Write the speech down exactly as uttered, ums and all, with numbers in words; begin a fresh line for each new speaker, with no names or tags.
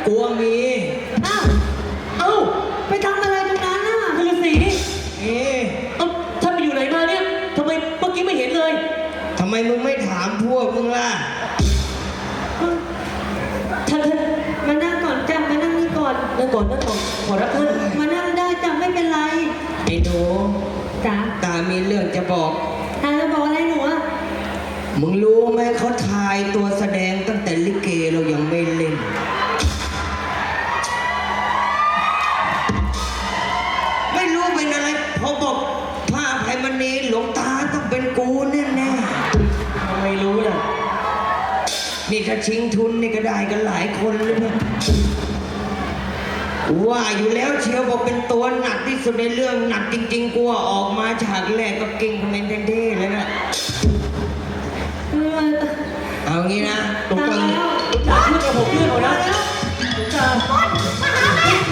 กลัวมี
อ้าวเอ้าไปทำอะไรตรงนั้นน่ะฤาษี
เอ๊ะ
เอ้าท่านไปอยู่ไหนมาเนี่ยทำไมเมื่อกี้ไม่เห็นเลย
ทำไมมึงไม่ถามพวกมึงล่ะ
ท่านท่านมานั่งก่อนจ้ะมานั่งนี่ก่อนนั่งก่อนนั่งก่อนขอรับท่านมานั่งได้จ้ะไม่เป็นไร
ไอ้หนู
จ้ะ
ตามีเรื่องจะบอก
ท่านจะบอกอะไรหนูอ่ะ
มึงรู้ไหมเขาทายตัวแสดงตั้งแต่ลิเกเรายังไม่เล่น ไม่รู้เป็นอะไรพอบอกพระอภัยมณีหลวงตาต้องเป็นกูแน่แน่
ไม่รู้น่ะ
ๆนี่ถ้าชิงทุนนี่ก็ได้กันหลายคนเลยนะว่าอยู่แล้วเชียวบอกเป็นตัวหนักที่สุดในเรื่องหนักจริงๆกูว่าออกมาฉากแรกก็เก่งคอมเมนเท่ๆเลยนะ